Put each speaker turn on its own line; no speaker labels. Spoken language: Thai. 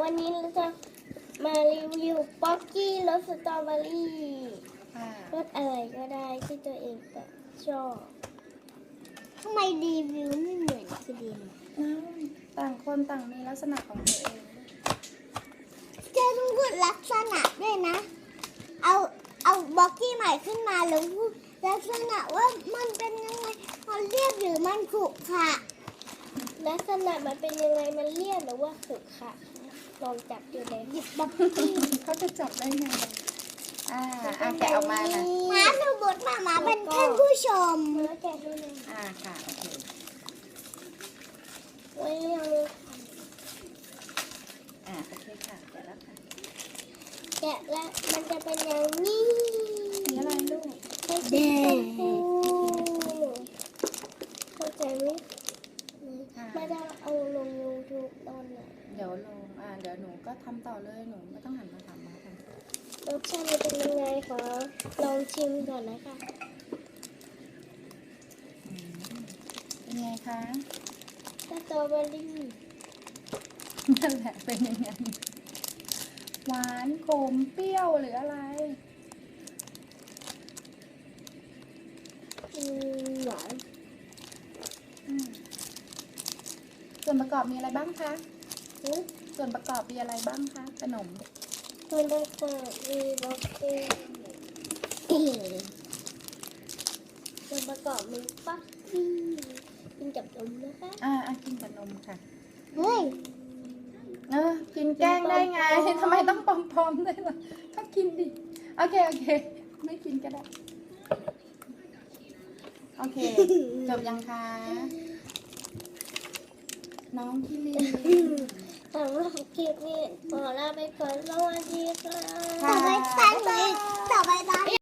วันนี้เราจะมารีวิวป๊อกกี้รสสตรอเบอรี่
ค่ะ
รสอะไรก็ได้ที่ตัวเองชอบทำไมรีวิวไม่เหมือนคือดิน
ต่างคนต่างมีลักษณะของตัวเอง
จะต้องพูดลักษณะด้วยนะ เอาบ็อกกี้ใหม่ขึ้นมาแล้วพูดลักษณะว่ามันเป็นยังไงมันเรียบหรือมันขรุขระลักษณะมันเป็นยังไงมันเรียบหรือว่าขรุขระลองจับดูเลยหยิบบ็อกกี้
เขาจะจับได้ไงแกะออกมานะ
ม้าหนูบดมาเป็นท่านผู้ชมแล้วแกะให้หน่อย
ค่ะโอเค
ไว้ยัง
โอเคค่ะแกะแล้วค่ะ
แกะแล้วมันจะเป็นอย่างนี้
สีอะไรลูก
ให้สีชมพูเข้าใจไหมไม่ได้เอาลง YouTube ตอนไหน
เดี๋ยวลงเดี๋ยวหนูก็ทำต่อเลยหนูไม่ต้องหันมาถามมาค่ะ
รสชาติมันเป็นยังไงคะลองชิมก่อนนะคะ
เป็นไงคะ
สตรอเบอรี่
นั่นแหละเป็นยังไงหวานขมเปรี้ยวหรืออะไร
หวาน
ส่วนประกอบมีอะไรบ้างคะ
อืม
ส่วนประกอบมีอะไรบ้างคะขนม
มันเป็นคนมีบล็อกกี้ส่วนประกอบมีป๊อกกี้กินกับนมนะคะ
กินกับนมค่ะ
เฮ้ย
กินแกล้งได้ไงทำไมต้องปลอมๆด้วยล่ะก็กินดิโอเคไม่กินก็ได้โอเคจบยังคะน้องพี่ลี
สำหรับคลิปนี้ขอลาไปก่อนสวัสดีค่ะ
ค่ะ
ต่อไป